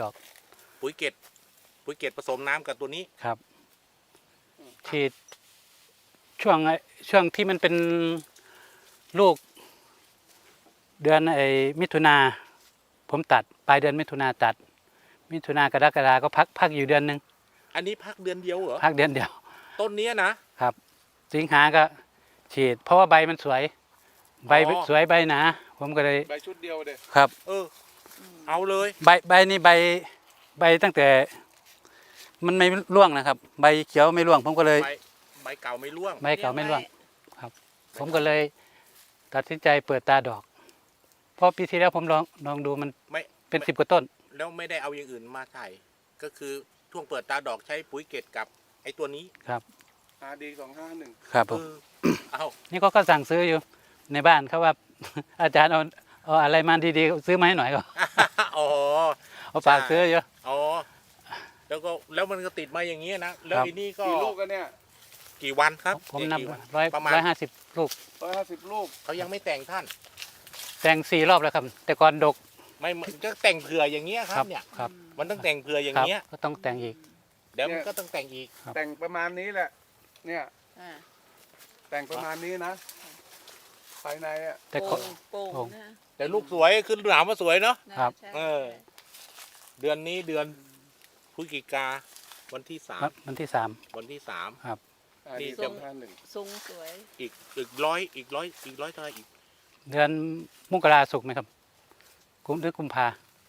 ดอกปุ๋ยเกตผสมน้ำกับตัวนี้ครับฉีดช่วงที่มันเป็นลูกเดือนมิถุนาผมตัดปลายเดือนมิถุนาตัดมิถุนากรกฎาก็พักอยู่เดือนหนึ่งอันนี้พักเดือนเดียวเหรอพักเดือนเดียวต้นนี้นะครับสิงหาก็ฉีด เพราะว่าใบมันสวย ใบอ๋อสวยใบหนาผมก็เลยใบชุดเดียวเด็ครับเอาเลยใบนี่ใบตั้งแต่ มันไม่ร่วงนะครับ ใบเขียวไม่ร่วง ผมก็เลยใบเก่าไม่ร่วงใบเก่าไม่ร่วงครับ ผมก็เลยตัดสินใจเปิดตาดอก เพราะปีที่แล้วผมลองดูมันไม่เป็น10 กว่าต้นแล้วไม่ได้เอาอย่างอื่นมาใส่ก็คือช่วงเปิดตาดอกใช้ปุ๋ยเกตกับไอ้ตัวนี้ครับ RD 251 ครับผมเอานี่ก็สั่งซื้ออยู่ในบ้านเขาว่า อาจารย์เอาอะไรมาดีๆซื้อมาให้หน่อยก็อ๋อเอาฝากซื้อเยอะอ๋อแล้วมันก็ติดมาอย่างนี้นะแล้วครับทีนี้ก็กี่ลูกกันเนี่ยกี่วันครับผมนับกี่วัน 150 ลูก 150 ลูกเขายังไม่แต่งท่านแต่ง4 รอบแล้วครับ แต่ก่อนดกไม่จะแต่งเผื่ออย่างเงี้ยครับเนี่ยครับมันต้องแต่งเผื่ออย่างครับเงี้ยก็ต้องแต่งอีกเดี๋ยวมันก็ต้องแต่งอีกครับแต่งประมาณนี้แหละ เนี่ยอ่าแต่งประมาณนี้นะ ภายในอ่ะแต่โป่ก็งโป่งโป่งนะแต่ลูกสวยขึ้นหนามว่าสวยเนาะครับใช่เออ เดือนนี้เดือนพฤศจิกาวันที่สามวันที่วันที่3 RD นี่ 251 ทรงสวยอีกร้อยเท่าไหร่อีก 3 เดือนมกราสุกร์ไหมครับหรือกุมภาม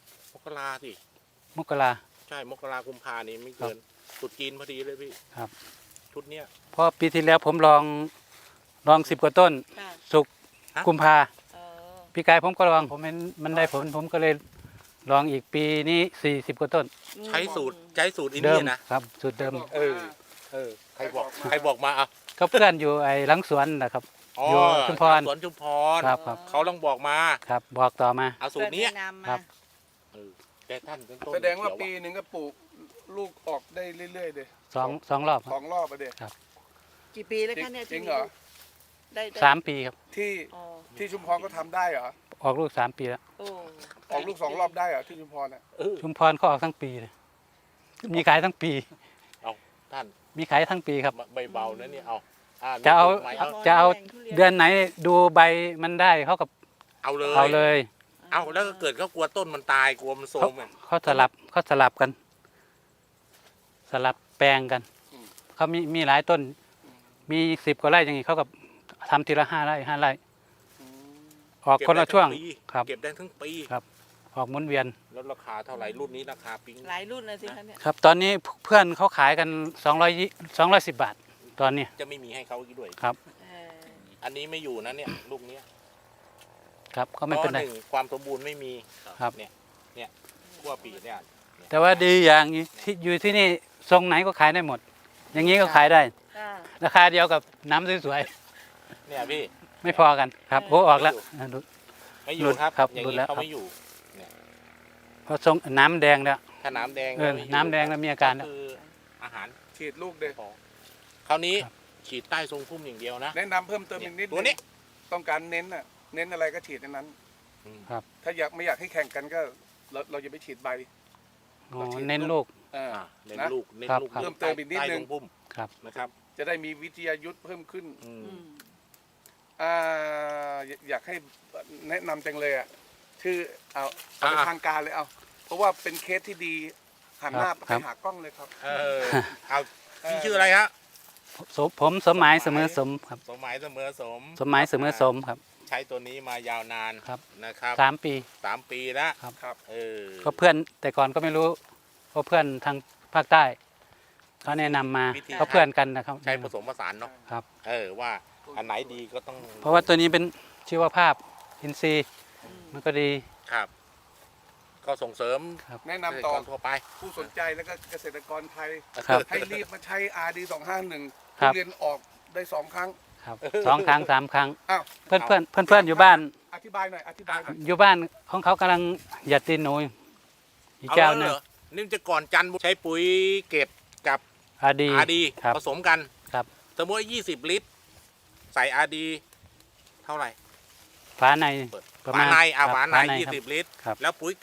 กราสิมกราใช่มกรากุมภานี่ไม่เกินตรุษจีนพอดีเลยพี่ครับชุดเนี้ยเพราะปีที่แล้วผมลอง10 กว่าต้นค่ะสุกฮะกุมภาเออปีกายผมก็ลองผมเห็นมันได้ผลผมก็เลยลองอีกปีนี้40 กว่าต้นใช้สูตรอินเดิเดีมยนะครับสูตรเดิมเออใครบอกมาอ่ะก็เพื่อนอยู่หลังสวนนะครับอ๋ออยู่ชุมพรสวนชุมพรครับเขาต้องบอกมาครับ บอกต่อมาเอาสูตรเนี้ยเพื่อนแนะนำมาครับเออแต่ท่านเป็นต้นแสดงว่าเขียปีหนึ่งก็ปลูกลูกออกได้เรื่อยๆเด็สองรอบคสรัอบ งรอบไปเด็กี่ปีแล้วคะเนี่ยจริที่งมีเหรอลูกได้ได้ 3 ปีครับที่อ๋อที่ชุมพรก็ทำได้เหรอออกลูก3 ปีแล้วโอ้ออกลูก2 รอบได้เหรอที่ชุมพรอ่ะเออชุมพรก็ออกทั้งปีเลยมีขายทั้งปีท่านมีขายทั้งปีครับใบเบานะเนี่ยเอาจะเอาไหมจะเอาเดือนไหนดูใบมันได้เขากับเอาเลยเอาเลยเอาแล้วก็เกิดเขากลัวต้นมันตายกลัวมันโทรเขามอ่ะเขาสลับกัน สลับแปลงกันเขามีหลายต้น มี10 กว่าไร่อย่างนี้เขากับทำทีละ5 ไร่ 5 ไร่ ออกคนละช่วง ครับเก็บได้ทั้งปีครับ ออกหมุนเวียนแล้วราคาเท่าไหร่รุ่นนี้ราคาปิ๊งหลายรุ่นเลยสิคะเนี่ยครับ ตอนนี้เพื่อนเขาขายกัน210 บาท ตอนนี้จะไม่มีให้เขาอีกด้วยครับเอออันนี้ไม่อยู่นะเนี่ยลูกเนี้ยครับก็ไม่เป็นไรพราะหงความสมบูรณ์ไม่มีครับเนี่ยขั้วปีเนี่ยแต่ว่าดีอย่างนี้ที่อยู่ที่นี่ทรงไหนก็ขายได้หมด อย่างนี้ก็ขายได้ค่ะราคาเดียวกับน้ำสวยเนี่ยพี่ๆไม่พอกันครับโอ้ออกแล้วดูไม่อยู่ครับครับอย่างดูนี้แล้วเขาไม่อยู่เพราะทรงน้ำแดงแล้วถ้าน้ำแดงเออก็ไม่อยู่น้ำแดงแล้วมีอาการแล้วคืออาหารฉีดลูกเด็คราวนี้ครับฉีดใต้ทรงพุ่มอย่างเดียวนะแนะนำเพิ่มเติมอีกนิดตัวนี้ต้องการเน้นอ่ะเน้นอะไรก็ฉีดในนั้นครับถ้าไม่อยากให้แข่งกันก็เราจะไปฉีดใบอ๋อเน้นลูกอ่าเน้นนะลูกเน้นครับลูกครับเพิ่มเติมอีกนิดนึงใต้ทรงพุ่มครับนะครับจะได้มีวิทยายุทธ์เพิ่มขึ้นอืมอืมอ่าอยากให้แนะนำจังเลยอ่ะชื่อเอาเป็นทางการเลยเอาเพราะว่าเป็นเคสที่ดีหันหน้าคไปรับหากล้องเลยครับเออเอาพี่ชื่ออะไรฮะผมสมหมายเสมอสมครับสมหมายเสมอสมสมหมายเสมอสมครับใช้ตัวนี้มายาวนานครับนะครับ 3 ปี 3 ปีแล้วครับเออก็เพื่อนแต่ก่อนก็ไม่รู้เพราะเพื่อนทางภาคใต้เขาแนะนำมาเขาเพื่อนกันนะครับใช้ผสมผสานเนาะครับเออว่าอันไหนดีก็ต้องเพราะว่าตัวนี้เป็นชีวภาพอินทรีย์มันก็ดีครับ ก็ส่งเสริมแนะนำต่อเกษตรกรทั่วไปผู้สนใจแล้วก็เกษตรกรไทยครับให้รีบมาใช้ RD 251 ครับทุเรียนออกได้ 2 ครั้งครับ2 ครั้ง 3 ครั้งอ้าวเพื่อนอยู่บ้านอธิบายหน่อยอธิบายหน่อยอยู่บ้านของเขากำลังหยัดตีนหนูอีกเอาเจ้าแล้วหนึเหงรอนี่จะก่อนจันทร์ใช้ปุ๋ยเกตกับอาดีอาดีครับผสมกันครับสมมติว่า20 ลิตร ใส่อาดีเท่าไหร่ฝาในเปิดประฝามาณในครับฝาในครับ 20 ลิตรครับแล้วปุ๋ยเก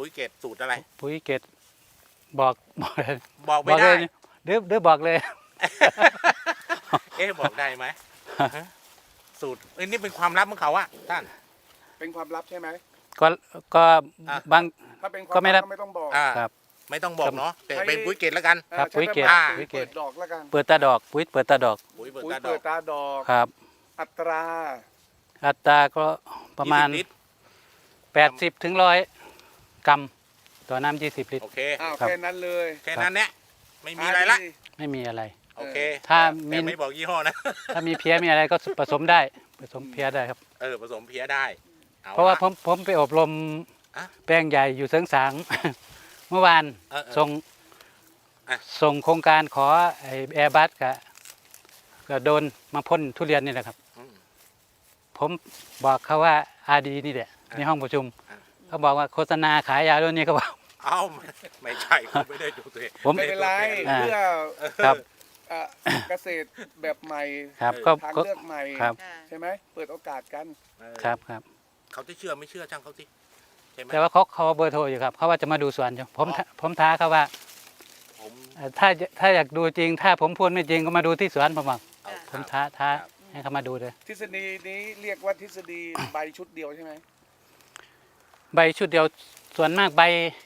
ปุ๋ยเกตสูตรอะไรปุ๋ยเกตบอกบอกเลยบอกบไม่อกเลได้ยหรือบอกเลยเอ๊ะบอกได้ไหมฮะสูตรนี่เป็นความลับของเขาอะท่านเป็นความลับใช่ไหมก็อ่ะบางถ้าเป็นความก็ไม่รัลับบก็ไม่ต้องบอกอ่าครับไม่ต้องบอกเนาะแต่เป็นปุ๋ยเกตแล้วกันครับใช้ปุ๋ยเกตแบบปุ๋ยเกตเปิดดอกแล้วกันเปิดตาดอกปุ๋ยเปิดตาดอกปุ๋ยเปิดปุ๋ยตาดอเปิกดตาดอกครับอัตราอัตราก็ประมาณ 20 ลิตร 80 ถึง 100 กรัมต่อน้ำ20 ลิตรโอเคอ้าวครับแค่นั้นเลยแค่นั้นเนี่ยไม่มีอะไรละดีไม่มีอะไรโอเคถ้าแต่ไม่บอกยี่ห้อนะถ้ามีเพี้ยมีอะไรก็ผสมได้ผสมเพี้ยได้ครับผสมเพี้ยได้อเพราะว่าลผมไปอบรมอ่ะแปลงใหญ่อยู่เสริงสาง เมื่อวานเออส่งอ่ะส่งโครงการขอไอ้แอร์บัสก็โดนมาพ่นทุเรียนนี่แหละครับอืมผมบอกเขาว่าอาดีนี่แหละในห้องประชุมอ่ะเขาบอกว่าโฆษณาขายยาตัวนี้เขาบอกเอ้าไม่ใช่คุณไม่ได้ดูตัวเองผมไม่เป็นไรอ่าเพื่อครับเอ่อเกษตรแบบใหม่ครับเออทางก็เลือกใหม่ครับค่ะใช่ไหมเปิดโอกาสกันเออครับครับเขาจะเชื่อไม่เชื่อช่างเขาสิใช่ไหมแต่ว่าเขาเบอร์โทรอยู่ครับเขาว่าจะมาดูสวนอยู่ผมอ๋อผมท้าเขาว่าผมถ้าอยากดูจริง ถ้าผมพูดไม่จริงก็มาดูที่สวนผมบอกเอาผมครับท้าครับให้เขามาดูเลยทฤษฎีนี้เรียกว่าทฤษฎีใบชุดเดียวใช่ไหมใบชุดเดียวส่วนมากใบ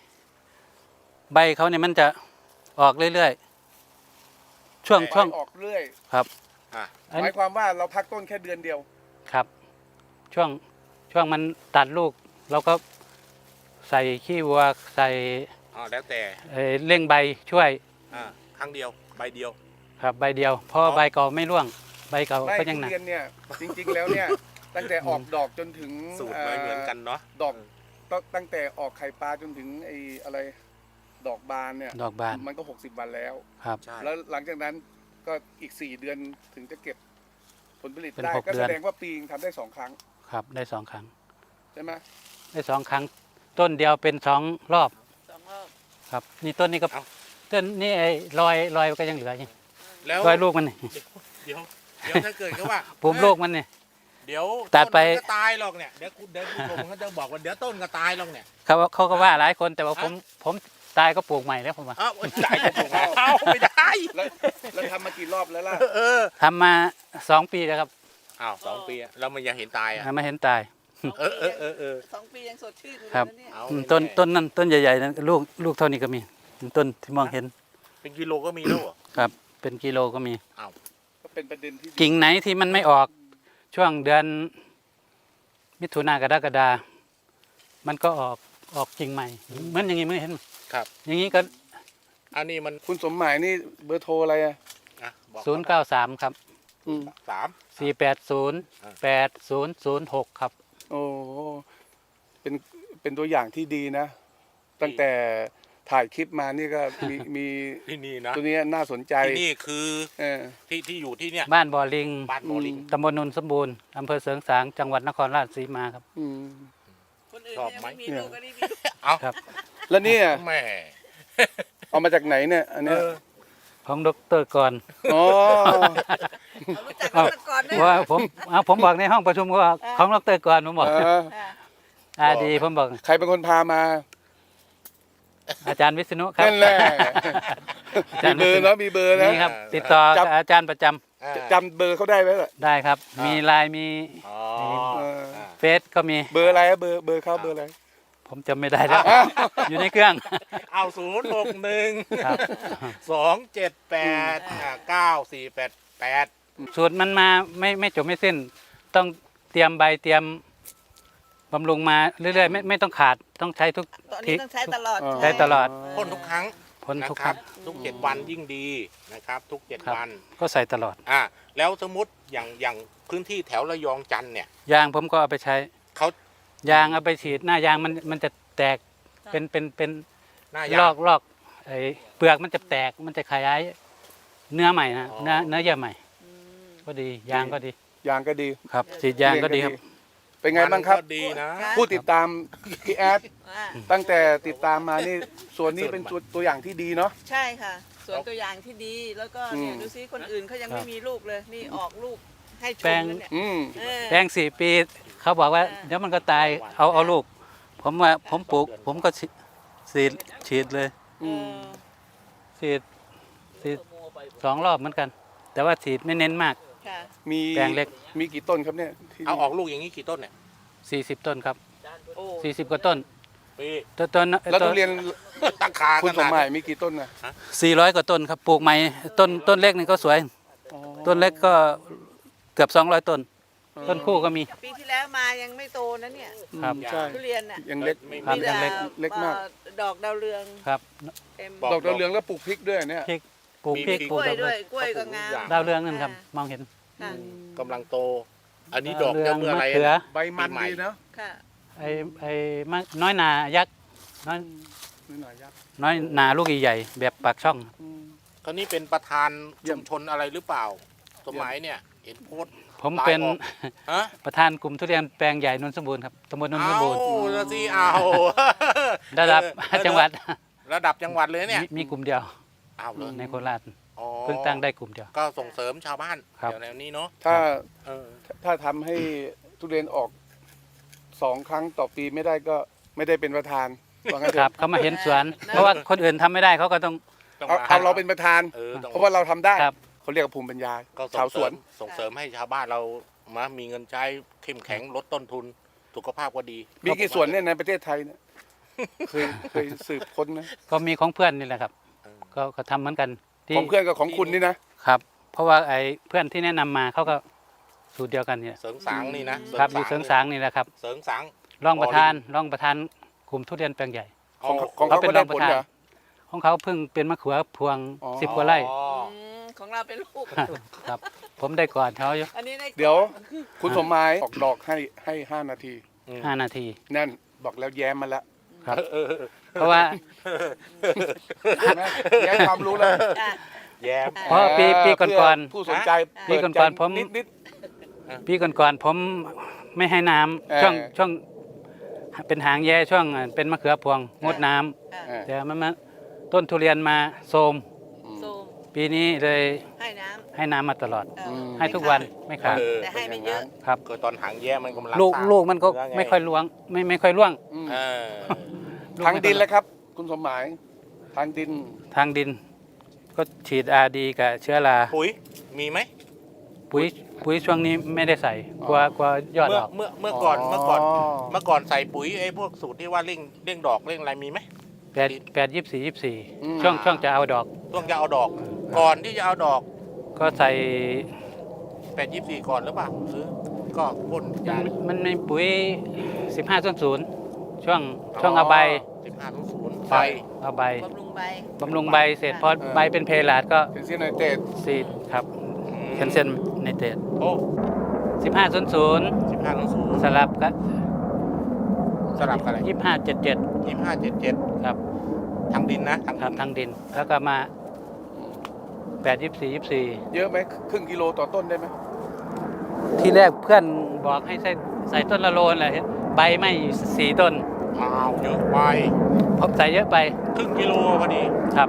เขาเนี่ยมันจะออกเรื่อยๆช่วงใบออกเรื่อยครับอ่ะอันหมายความว่าเราพักต้นแค่เดือนเดียวครับ ช่วงมันตัดลูกเราก็ใส่ขี้วัวใส่อ๋อแล้วแต่เร่งใบช่วยครั้งเดียวใบเดียวครับใบเดียวเพราะอ๋อใบเก่าไม่ร่วง ใบเก่าไม่ก็ทุยังหนักเรียนเนี่ยจริงๆแล้วเนี่ยตั้งแต่ออกดอกจนถึงสูตรไม่เหมือนกันเนาะดอกตั้งแต่ออกไข่ปลาจนถึงไอ้อะไรดอกบานเนี่ยดอกบานมันก็60 วันแล้วครับใช่แล้วหลังจากนั้นก็อีก4 เดือนถึงจะเก็บผลผลิตเป็นได้ 6 ก็เดืแสอนดงว่าปีนึงทำได้2 ครั้งครับได้2 ครั้งใช่ไหมได้2 ครั้ง ต้นเดียวเป็น2 รอบ 2 รอบครับ นี่ต้นนี้ก็เอ้าต้นนี่ไอ้รอยก็ยังเหลืออยู่แล้วรอยลูกมันนี่เดี๋ยวถ้าเกิดเขาว่าปุ่มลูกมันนี่เดี๋ยวตัดไปต้นมันก็ตายหรอกเนี่ยเดี๋ยวผู้ชมเขาจะบอกว่าเดี๋ยวต้นก็ตายหรอกเนี่ยเขาก็ว่าหลายคนแต่ว่าอ่ะผมตายก็ปลูกใหม่แล้วผมว่าเอ้าตายก็ปลูกแล้วเอ้าไม่ได้แล้วทำมากี่รอบแล้วล่ะเออทำมา2 ปีแล้วครับอ้าว2 ปีอะแล้วมันยังเห็นตายอ่ะไม่เห็นตายเออ 2 ปียังสดชื่นอยู่ครับเลยนะเนี่ยเอาต้นนั้นต้นใหญ่ๆนั้นลูกเท่านี้ก็มีต้นที่มองเห็นเป็นกิโลก็มีแล้วเหรอครับ เป็นกิโลก็มีก็เป็นประเด็นที่ดีกิ่งไหนที่มันไม่ออกช่วงเดือนมิถุนากรกฎามันก็ออกกิ่งใหม่เหมือนอย่างนี้ไม่เห็นครับอย่างนี้ก็อันนี้มันคุณสมหมายนี่เบอร์โทรอะไรอ่ะอ่ะบอก 093 ครับอืม 3 480 8006 ครับโอ้เป็นตัวอย่างที่ดีนะ ตั้งแต่ถ่ายคลิปมานี่ก็มีที่นี่นะตัวเนี้ยน่าสนใจที่นี่คือเออที่อยู่ที่เนี่ยบ้านบ่อลิงบ้านโมลิงตำบลนนสมบูรณ์อำเภอเสริงสางจังหวัดนครราชสีมาครับอืมคนอื่นชอบยังไหมไม่มีลูกก็ได้มีลูกเอาครับแล้วเนี่ยแม่เอามาจากไหนเนี่ยอันเอเนี้ยอของดรก่อนอ๋อเรารู้จักกันมาก่อนด้วยว่าผมบอกในห้องประชุมว่าของดรก่อนผมบอกเออค่ะดีผมบอกใครเป็นคนพามาอาจารย์วิษณุครับนั่นแหละอามีจารย์เบอร์นะมีเบอร์นะนี่ครับ ติดต่อกับอาจารย์ประจำจำเบอร์เขาได้ไหมล่ะได้ครับอ่ามีมีไลน์มีอ๋อเออเฟซก็มีเบอร์อะไรอะเบอร์เขาเบอร์อะไรผมจำไม่ได้แล้ว อยู่ในเครื่องเอา061 ครับ 278 9488 สูตรมันมาไม่จบไม่สิ้น ต้องเตรียมใบเตรียมบำรุงมาเรื่อยๆไม่ต้องขาดต้องใช้ทุกตอนทีนี้ต้องใช้ตลอดอ๋อใช้ตลอดพ่นทุกครั้งพ้นนะทุกคครัรั้บงทุก7 วันยิ่งดีนะครับ ทุกครับ 7 วันก็ใส่ตลอดแล้วสมมติอย่างพื้นที่แถวระยองจันทร์เนี่ยยางผมก็เอาไปใช้เขายางเอาไปฉีดหน้ายางมันจะแตกเป็นหน้าลยาอง กไอ้เปลือกมันจะแตกมันจะขยายเนื้อใหม่นะอ๋อเนื้อเยื่อใหม่อืมก็ดียางก็ดียางก็ดีครับฉีดยางก็ดีครับเป็นไงบ้างครับมันก็ดีนะผู้ติดตามพี่แอดอ่าตั้งแต่ติดตามมานี่ส่วนนี้เป็นตัวอย่างที่ดีเนาะใช่ค่ะสวนตัวอย่างที่ดีแล้วก็เนี่ยอืมดูซิคนอื่นเขายังไม่มีลูกเลย นี่ออกลูกให้ชแปลมงแล้วเนี่ยอืมเออแปลง4 ปีเขาบอกว่าอ่าเดี๋ยวมันก็ตายเอาลูก ผมว่าผมปลูกผมก็ฉีดเลยเออฉีด2 รอบเหมือนกัน แต่ว่าฉีดไม่เน้นมากค่ะมีแปลงเล็กมีกี่ต้นครับเนี่ยที่เอาออกลูกอย่างนี้กี่ต้นเนี่ย 40 ต้นครับโอ้ 40 กว่าต้นปีต้นแล้วทุเรียนตั้งคาคุณขสมนาดหมายมีกี่ต้นนะ 400 กว่าต้นครับปลูกใหม่ต้นเล็กนี่ก็สวยอ๋อต้นเล็กก็เกือบ200 ต้น ต้นคู่ก็มีปีที่แล้วมายังไม่โตนะเนี่ยครับใช่ทุเรียนน่ะยังเล็กครับมีแต่ยังเล็กเล็กมากดอกดาวเรืองครับเต็มดอกดาวเรืองแล้วปลูกพริกด้วยเนี่ยพริกปลูกพริกกปลูล้กวยดอกด้วยกล้วยก็งามดาวเรืองนั่นครับมองเห็นค่ะกำลังโต อันนี้ดอกดาวเรืจะองเมื่ออะไรมะเขืออะใบมันปีใหม่ดีเนาะค่ะไอ้น้อยนายักษ์น้อยนี่หน่อยยักษ์น้อยนาลูกใหญ่ๆแบบปากช่องเขานี่เป็นประธานเยี่ชุยมมชนอะไรหรือเปล่า สมัยเนี่ยเห็นโพสต์ผมเป็นลายออก ฮะประธานกลุ่มทุเรียนแปลงใหญ่นนทสมบูรณ์ครับตำบลนนทสมบูรณ์ละสิเอาระดับเออจังหวัดระดับจังหวัดเลยเนี่ยมีกลุ่มเดียวเอาเลยในโคราชอ๋อเพิ่งตั้งได้กลุ่มเดียวก็ส่งเสริมชาวบ้านครับเดี๋ยวแนวนี้เนาะถ้าเออถ้าทำให้ทุเรียนออก2 ครั้งต่อปีไม่ได้ก็ไม่ได้เป็นประธานว่างั้นเถครับอะเขามาเห็นสวน เพราะว่าคนอื่นทำไม่ได้เขาก็ต้องต้องเอามาเอาเราเป็นประธานต้องเพราะว่าเราทำได้ครับเขาเรียกว่าภูมิปัญญาก็ชาวสวนส่งเสริมให้ชาวบ้านเรามามีเงินใช้เข้มแข็งลดต้นทุนสุขภาพก็ดีมีกี่สวนเนี่ยในประเทศไทยเนี่ยเคยสืบค้นนะก็มีของเพื่อนนี่แหละครับเออก็ทำเหมือนกันที่ของเพื่อนกับของคุณนี่นะครับเพราะว่าไอ้เพื่อนที่แนะนำมาเขาก็สูตรเดียวกันเนี่ยเสริงสางนี่นะครับอยู่เสริงสางนี่แหละครับเสริงสางรองประธานกลุ่มทุเรียนแปลงใหญ่ของเขาก็ได้ผลเหรอของเขาเพิ่งเป็นมะเขือพวงอ๋อ 10 กว่าไร่อ๋อของเราเป็นลูกครับ ผมได้ก่อนเขาอยู่อันนี้ในเดี๋ยวคุณสมหมายออกดอกให้5 นาที 5 นาทีนั่นบอกแล้วแย้มมาแล้วครับ เพราะว่าเห็นไหมแย้มความรู้แล้วอ่ะแย้มเพราะปีก่อนเพื่ผู้สนใจปีก่อนๆผมนิดปีก่อนๆผมไม่ให้น้ำเออช่วงเป็นหางแย่ช่วงเป็นมะเขือพวงงดน้ำอ่ะๆเออแต่มันมาต้นทุเรียนมาโทรมโซมปีนี้เลยให้น้ให้น้ำมาตลอดำเออมให้ทุกวันไม่ขาดแต่ให้ไม่เยอะครับก็ตอนหางแย้มมันกำลังลูกสร้างลูกมันก็เนื้อไงไม่ค่อยล้วงไม่ค่อยร่วงอืมเออลูกทางไม่ค่อยดินแล้วครับ คุณสมหมายทางดินทางดิน ก็ฉีดRDกับเชื้อราปุ๋ยมีไหมปุ๋ยช่วงนี้ไม่ได้ใส่กลัวยอดออกเมื่อก่อนเมื่อก่อนใส่ปุ๋ยไอ้พวกสูตรที่ว่าเร่งดอกเร่งอะไรมีไหม 8 24 24ช่วงจะเอาดอกช่วงจะเอาดอก ก่อนที่จะเอาดอกก็ใส่ 824 ก่อนหรือเปล่าหรือก็พ่นยามันมีปุ๋ย 15.0 ช่วงเอาใบ 15.0 ไฟเอาใบบำรุงใบบำรุงใบเสร็จพอใบเป็นเพลาดก็เป็นเซียนไนเตรตซีดครับแคลเซียมไนเตรตโอ้ 15.00 15.0 สลับกับสลับกันอะไร 25.77 25.77 ครับทางดินนะครับทางดินแล้วก็มา8 24 24 เยอะไหมครึ่งกิโลต่อต้นได้ไหมที่แรกเพื่อนบอกให้ใส่ต้นละโลนแหละใบไม่อยู่4 ต้นอ้าวเยอะไปผมใส่เยอะไปครึ่งกิโลพอดีครับ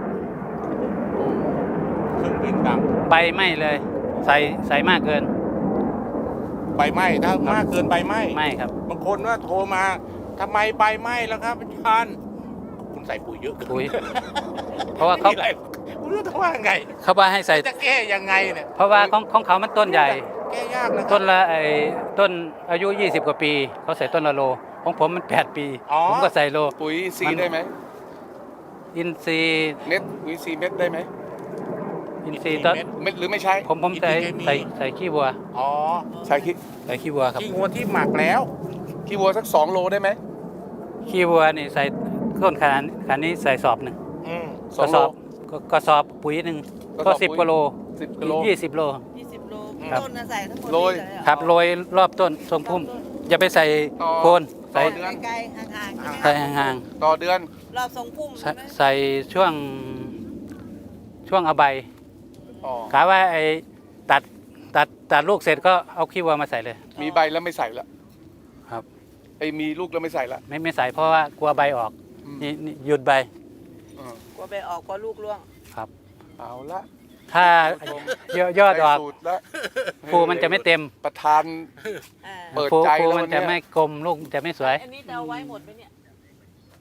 ครึ่งวิ่งดังใบไม่เลย ใส่มากเกินใบไหม้ถ้ามากเกินใบไหม้ไม่ครับบางคนว่าโทรมาทำไมใบไหม้แล้วครับอาจารย์คุณใส่ปุ๋ยเยอะเกินปุ๋ย เพราะว่าเขาไม่มีอะไรคุณรู้ว่าไงเขาว่าให้ใส่จะแก้ยังไงเนี่ยเพราะว่าของเขามันต้นใหญ่แก้ยากนะต้นละต้นอายุ 20 กว่าปี เขาใส่ต้นละโล ของผมมัน 8 ปี ผมก็ใส่โลปุ๋ยซีมันได้ไหมอินทรีย์เม็ดปุ๋ยซีเม็ดได้ไหมอินทรีย์ต้นเม็ดหรือไม่ใช่ผมใส่ขี้วัวอ๋อใส่ขี้ใส่ขี้วัวครับขี้งัวที่หมักแล้วขี้วัวสัก2 โลได้ไหมขี้วัวนี่ใส่ต้นขนาดนี้ใส่สอบหนึ่งอืมสองโลกระสอบปุ๋ยหนึ่งกระสก็อบปุ๋ย 10 กว่าโล 10 กิโล 20 โล 20 โลครับต้นน่ะใส่ทั้งหมดโรยนี่เลยเหอครับโรยรอบต้นทรงพุ่ม อย่าไปใส่ต่อโคนใส่ต่อเดือนไกลๆห่างๆใช่ไหมใส่ห่างต่อเดือนรอบทรงพุ่มๆใช่ไหมใส่ช่วงเอาใบอ๋อกะว่าตัดลูกเสร็จก็เอาขี้วัวมาใส่เลยมีใบแล้วไม่ใส่ละครับไอ้มีลูกแล้วไม่ใส่ละไม่ใส่เพราะว่ากลัวใบออกอืมนี่หยุดใบอืมกลัวไปออกกลัวลูกร่วงเอาละถ้าผู้ชมยอดออกได้สูตรละภูมันจะไม่เต็มประธานอ่าเปิดภูใจแล้วมันจะวันเนี้ยไม่กลมลูกจะไม่สวยอันนี้จะเอาไว้หมดไหมเนี่ยหรือ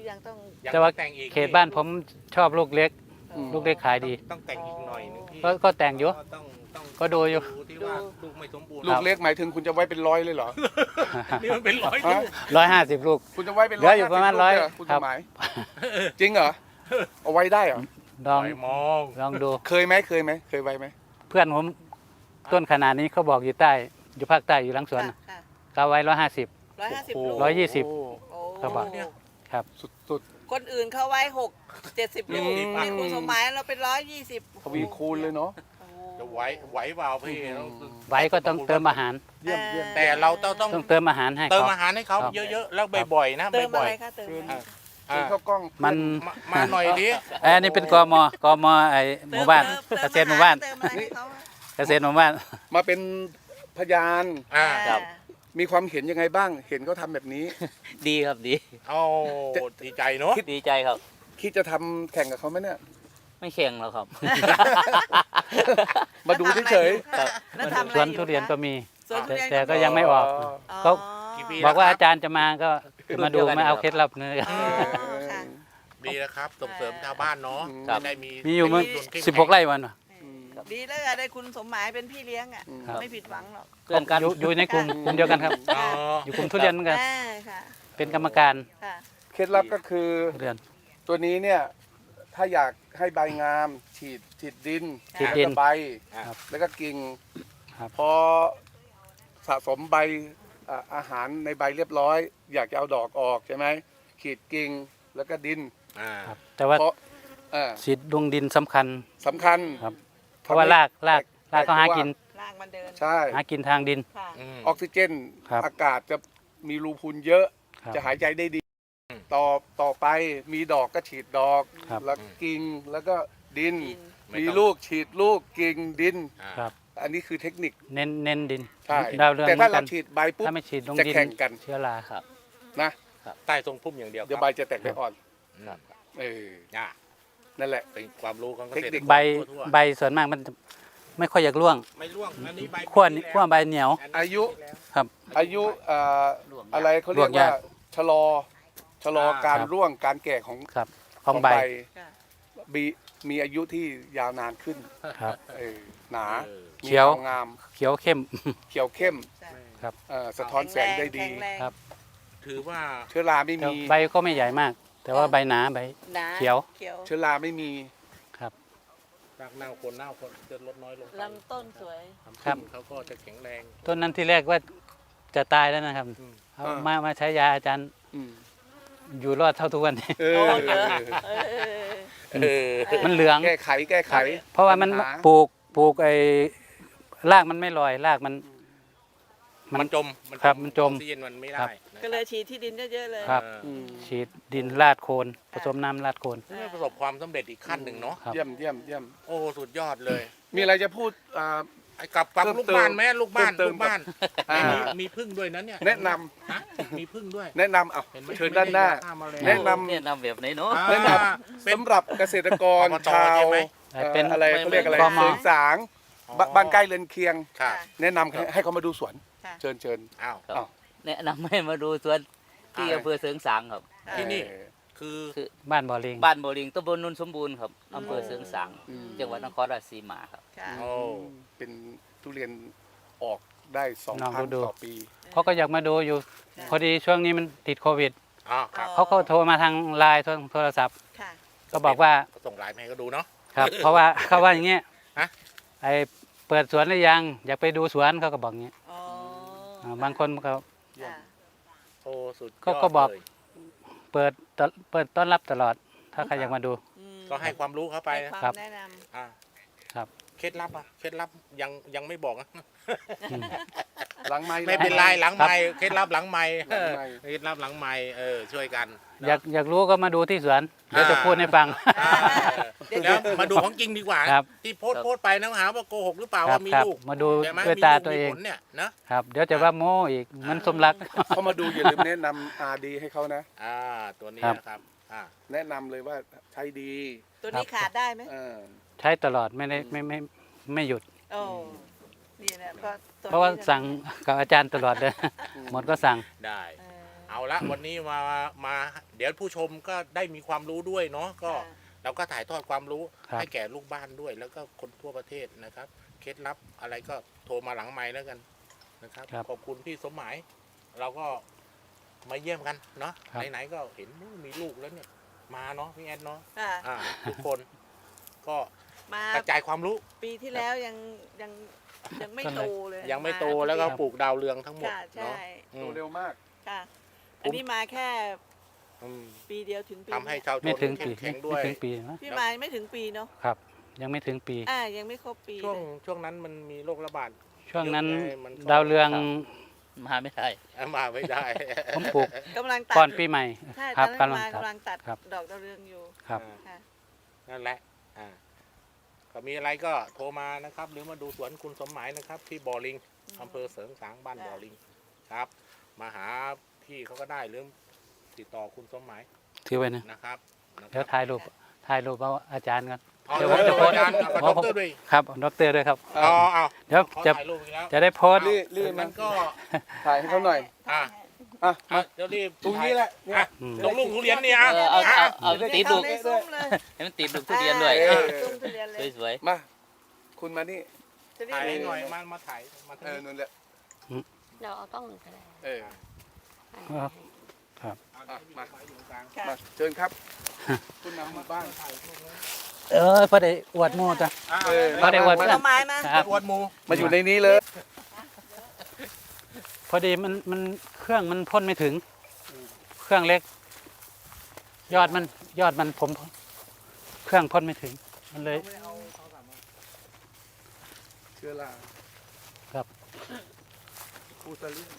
ยังต้องยังแต่ว่าแต่งอีกเขตบ้านผมชอบลูกเล็กอืมลูกเล็กขายดีต้องแต่งอีกหน่อยนึงพี่ก็แต่งอยู่ต้องก็ดูอยู่ที่ว่าลูกไม่สมบูรณ์ลูกเล็กหมายถึงคุณจะไว้เป็นร้อยเลยเหรอนี่มันเป็นร้อยฮะลูก 150 ลูกคุณจะไว้เป็นเหลืออยู่ประมาณ 50 100 ลูกเลยเหคุณครัสบมัยจริงเหรอเอาไว้ได้เหรอลองไม่มองลองดูเคยไหมเคยไว้ไหมเพื่อนผมต้นขนาดนี้เขาบอกอยู่ใต้ อยู่ภาคใต้อยู่หลังสวนค่ะค่ะก็ไว้150 150 ลูก 120 โอ้โอ้กระบอก ครับสุดคนอื่นเขาไว้70 ลูกอืมนี่คุณสมหมายเราเป็น120 ทวีคูณเลยเนาะโอ้โหจะไหวเปล่าพี่ไว้ก็ต้องเติมอาหารเยี่ยมเยี่ยมแต่เราต้องต้องเติมอาหารให้เติมเขาอาหารให้เขาครับเยอะๆแล้วบ่อยๆนะเติมบ่อะอยไรคะเติมอะไรๆเชิญเข้ากล้องมันมาหน่อยดิอันนี้เป็นกมไอหมู่บ้าน เกษตรหมู่บ้านเติมอะไรให้เขาอะเกษตรหมู่บ้านมาเป็นพยานอ่าครับมีความเห็นยังไงบ้าง เห็นเขาทำแบบนี้ดีครับดีเอาดีใจเนาะดีใจครับคิดจะทำแข่งกับเขาไหมเนี่ยไม่แข่งแล้วครับมาดูเฉยแล้วทำอะไรสวนอยู่ทุเรียนก็มีสวนทุเรียนแต่ก็ยังไม่ออกอ๋ออ๋อเขากี่ปีบอกว่าแล้วอาจารย์จะมาก็มาดูรุ่นเดียวกันมาเอาครับเคล็ดลับเนื้ออ๋อค่ะดีนะครับส่งเสริมชาวบ้านเนาะครับจะได้มีมีอยู่มั้งชุมชนเข้มแข็ง 16 ไร่วันวะดีแล้วอะได้คุณสมหมายเป็นพี่เลี้ยงอ่ะครับไม่ผิดหวังหรอกเพื่อนกันอยู่ในกลุ่มเดียวกันครับอ๋ออยู่กลุ่มทุเรียนเหมือนกันอ่าค่ะเป็นกรรมการค่ะเคล็ดลับก็คือทุเรียนตัวนี้เนี่ยถ้าอยากให้ใบงามฉีดดินฉีดดินแล้วก็ใบครับแล้วก็กิ่งครับพอสะสมใบอาหารในใบเรียบร้อย อยากจะเอาดอกออกใช่ไหมขีดกิ่งแล้วก็ดินอ่าครับแต่ว่าเพราะเอ่อสีดดวงดินสำคัญสำคัญครับ เพราะว่ารากเขาหากินลากมันเดินใช่หากินทางดินค่ะอืมออกซิเจนครับอากาศจะมีรูพุนเยอะครับจะหายใจได้ดีอืมต่อไปมีดอกก็ฉีดดอกครับแล้วกิ่งแล้วก็ดินดินมีลูกฉีดลูกกิ่งดินอ่าครับอันนี้คือเทคนิคเน้นดินใช่ดาวเรืองแต่เหมืถ้าอนกัเรานฉีดใบปุ๊บถ้าไม่ฉีดลงจะดินแข่งกันเชื้อราครับนะใต้ทรงพุ่มอย่างเดียวเดี๋ยวใบจะแตกใบอ่อนครับเอออ่านั่นแหละเป็นความรู้ของเกษตรเทคนิคใบทั่วๆใบส่วนมากมันจะไม่ค่อยอยากร่วงไม่ร่วงอันนี้ใบขั้วใบเหนียวอายุครับอายุอะไรเขาเรียกร่วงยาว่าก ชะลอการครับร่วงการแก่ของครับของใบค่ะมีอายุที่ยาวนานขึ้นครับเออหนาเออเขียวงามเขียวเข้มเขียวเข้มใช่ครับสะท้อนแสงได้ดีแข็งแรงครับถือว่าเชื้อราไม่แต่มีใบก็ไม่ใหญ่มาก แต่ว่าใบหนาใบหนาเขียวเขียวเชื้อราไม่มีครับรากเน่าคนจะลดน้อยลงไปลำต้นสวยครับเขาก็จะแข็งแรงต้นนั้นที่แรกว่าจะตายแล้วนะครับอืมเอามาใช้ยาอาจารย์อืมอยู่รอดเท่าทุกวันนี้เอโอ้อเยอะเออมันเหลืองแก้ไขเพราะว่ามันปัญหาปลูกไอ้รากมันไม่ลอยรากมันมันจมครับมันจมออกซิเจนมันไม่ได้ครับนะครับก็เลยฉีดที่ดินเยอะๆเลยครับอืมฉีดดินราดโคนผสมน้ำราดโคนนี่ประสบความสำเร็จอีกขั้นหนึ่งเนาะครับเยี่ยมโอ้สุดยอดเลยมีอะไรจะพูดไอ้กับเพิ่มลูกเติมบ้านไหมลูกบ้านเพิ่มเติมลูกบ้านอ่ามีพึ่งด้วยนะเนี่ยแนะนำฮะมีพึ่งด้วยแนะนำเอาเห็นไหมเชิญด้านหน้าไม่ได้ฆ่แมลงแนะนำแนะนำแบบไหนเนาะอ่าแนะนเป็นสำหรับเกษตรกรอบตชาวใช่ไหมเป็นอะไรเขาเรียกอะไรกมเสริงสางอ๋อบ้านใกล้เรือนเคียงค่ะแนะนำให้เขามาดูสวนค่ะเชิญอ้าวอ้าวแนะนำให้มาดูสวนที่อะไรอำเภอเสริงสางครับที่นี่เออคือคือบ้านบ่อลิงบ้านโบริงตำบลนนสมบูรณ์ครับอำเภอเสริงสางอืมจังหวัดนครราชสีมาครับค่ะโอ้เป็นทุเรียนออกได้2 ลองครั้งดูต่อปีเขาก็อยากมาดูอยู่ค่ะพอดีช่วงนี้มันติดโควิดอ๋อครับเขาก็โทรมาทางไลน์โทรศัพท์ค่ะก็บอกว่าก็ส่งไลน์มาให้เขาดูเนาะครับ เพราะว่าเขาว่าอย่างเงี้ยฮะไอเปิดสวนหรือยังอยากไปดูสวนเขาก็บอกอย่างเงี้ยอ๋อบางคนก็ค่ะโอ้สุดยก็อดก็บอกเลยเปิดต้อนรับตลอด ถ้าใครอยากมาดูอืมก็ให้ความรู้เขาไปให้นะควาครัมบแนะนอ่าครับเคล็ดลับอ่ะเคล็ดลับยังไม่บอกนะหลังไม้ไม่เป็นไรหลังครับไม้เคล็ดลับหลังไม้หลังไมค์เคล็ดลับหลังไม้ช่วยกันอยากรู้ก็มาดูที่สวนเดี๋ยวจะพูดให้ฟังอ่าแล้วมาดูของจริงดีกว่าครับที่โพสต์ไปนะหาว่าโกหกหรือเปล่าครัว่าบมีครับลูกมาดูใช่ไหมด้วยมีตาลูกตัวมีเองผลเนี่ยนะครับเดี๋ยวจะว่าโม้อีกเหมันสมรักเขามาดูอย่าลืมแนะนำอาดีให้เขานะตัวนี้ครับนะครับแนะนำเลยว่าใช้ดีำตัวนี้ขาดได้ไหมเออใช้ตลอดไม่ได้ไม่หยุดโอ้นี่นะก็ตัเพราะว่านี้นะสั่งกับอาจารย์ตลอดเลย หมดก็สั่งได้เออเอาละวันนี้มาเดี๋ยวผู้ชมก็ได้มีความรู้ด้วยเนาะก็เราก็ถ่ายทอดความรู้ครับให้แก่ลูกบ้านด้วย แล้วก็คนทั่วประเทศนะครับเคล็ดลับอะไรก็โทรมาหลังไมค์แล้วกันนะครับครับขอบคุณพี่สมหมาย เราก็มาเยี่ยมกันเนาะครับไหนๆก็เห็นมีลูกแล้วเนี่ยมาเนาะพี่แอนเนาะค่ะทุกคนก็มากระจายความรู้ปีที่แล้วยังไม่โตเลยยังไม่โตแล้วก็ปลูกดาวเรืองทั้งหมดค่ะใช่เนาะอืโตมเร็วมากค่ะ อันนี้มาแค่อืมปีเดียวถึงปีทำให้ชาวชไม่นถึงเข้ปีมแข็งด้ไม่วยถึงปีนะพี่มาไม่ถึงปีเนาะครับ ยังไม่ถึงปียังไม่ครบปีช่วงนั้นมันมีโรคระบาดช่วงนั้นเยอะไงมันก็ดาวเรืองมาไม่ได้มาไม่ได้ผมปลูกกำลังตัดก่อนปีใหม่ใช่คตรัอบ นนั้นกำลังมาตัดกำลังตัดครับดอกดาวเรืองอยู่ครับค่ะนั่นแหละก็มีอะไรก็โทรมานะครับ หรือมาดูสวนคุณสมหมายนะครับ ที่บ่อลิงอำเภอเสริงสางบ้านบ่อลิงครับ มาหาพี่เขาก็ได้หรือติดต่อคุณสมหมายถือไว้นะนะครับเดี๋ยวถ่ายรูปเอาอาจารย์กันเอาเดี๋เดี๋ยยว วผผม มจะจะโพโพสสต์ต์ด็อกเตอร์ด้วยครับด็อกเตอร์ด้วยครับเอาเอาเดี๋ยวเขาจะถ่ายรูปอีกแล้วจะได้โพสต์รีบมันก็ถ่ายให้เขาหน่อยอ่ะอ่ะอ่ะเดี๋ยวรีบตรงนี้แหละเนี่ยอ่ะอืมตรงลูกทุเรียนเนี่ยเอาได้ติดเข้าลูกในซุ้มเลยให้มันติดลูกทุเรียนด้วยซุ้มทุเรียนเลยสวยมา คุณมานี่จะได้ถ่ายให้รู้หน่อยมาถ่ายมาเอถ่ายอนั่นแหละเราเอาต้องหนึ่งก็ได้เออครับมาค่ะมาเชิญครับ คุณนำหมู่บ้านพอได้อวดหมูจ้ะเออเขาได้อวดมาเพื่อนเอาไม้มาครับอวดหมูมาอยู่ในนี้เลยพอดีมันเครื่องมันพ่นไม่ถึง เครื่องเล็ก ยอดมันผม เครื่องพ่นไม่ถึง มันเลยเชื้อราครับฟูซาลิน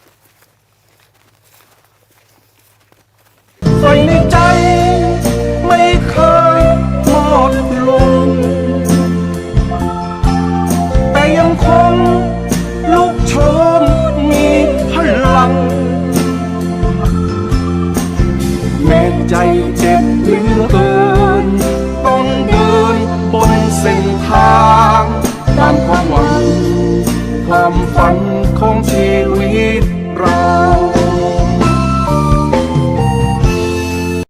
ไฟในใจไม่เคยหมดลง แต่ยังคงลุกโชนมีพลัง แม้ใจเจ็บเหลือเกิน ต้องเดินบนเส้นทางตามความหวัง ความฝัน